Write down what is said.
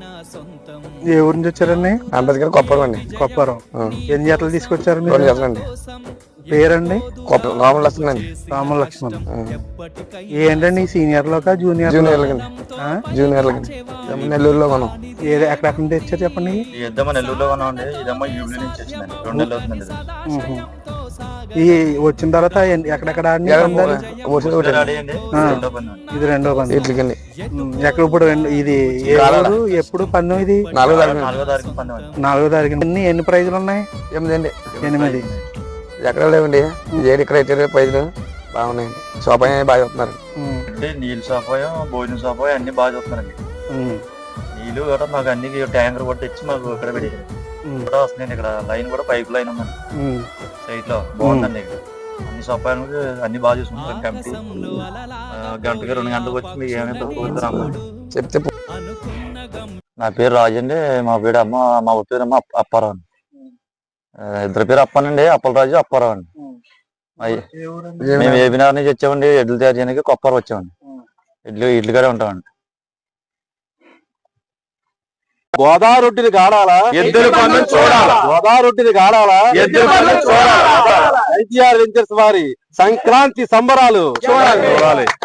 ఏ ఊరు నుంచి వచ్చారండి? అంబేద్కర్ కొప్పరం అండి. కొప్పారం. ఎన్ని జతలు తీసుకొచ్చారు మీరు? 2 జతలండి. పేరండి? రాముల లక్ష్మణ్ అండి. రాముల లక్ష్మణ్. ఏంటండి సీనియర్లోకా జూనియర్? జూనియర్లకి నెల్లూరులో కొనం. ఎక్కడెక్కడ నుంచి తెచ్చారు చెప్పండి. నెల్లూరులో కొన్నామండి. ఇదేమో యూబీ నుంచి వచ్చిందండి. 2 నెలలు అవుతుందండి. ఈ వచ్చిన తర్వాత ఎక్కడెక్కడ ఇది 2వ పందెం. ఇట్లకండి ఎక్కడ ఇప్పుడు ఇది ఎప్పుడు పందెం? ఇది 4వ తారీఖు. 4వ తారీఖు. ఎన్ని ప్రైజులు ఉన్నాయి? 8. ఎక్కడ లేవండి. ఏడు క్రైటీరియా ప్రైజులు బాగున్నాయండి. సోపాయి బాగా చూస్తున్నారు. నీళ్ళు సోపాయం, భోజనం సోపాయం అన్ని బాగా చూస్తున్నారండి. నీళ్ళు కూడా మాకు అన్ని ట్యాంకర్ కూడా తెచ్చి మాకు ఇక్కడ పెట్టారు కూడా వస్తున్నాయండి. ఇక్కడ లైన్ కూడా పైప్ లైన్ ఉందండి సైట్ లో. బాగుందండి. ఇక్కడ అన్ని సోపాయాలు అన్ని బాగా చూసుకుంటారు. కమిటీ గంటకి 2 గంటలకు వచ్చి మీకు ఏమైనా తక్కువ చెప్తే. నా పేరు రాజు అండి. మా పేరు మా పేరు అప్పారావు అండి. ఇద్దరు పేరు అప్పనండి. అప్పలరాజు, అప్పారావు అండి. మేము ఏబినార్ నుంచి వచ్చామండి. ఎడ్లు తయారు చేయడానికి కొప్పారం వచ్చామండి. ఇడ్లు గారే ఉంటామండి. గోదారొట్టిని కాడాలా, ఎద్దుల పందెం చూడాలా. గోదారొట్టిని కాడాలా, ఎద్దుల పందెం చూడాలా. ITR వెంచర్స్ వారి సంక్రాంతి సంబరాలు చూడాలి.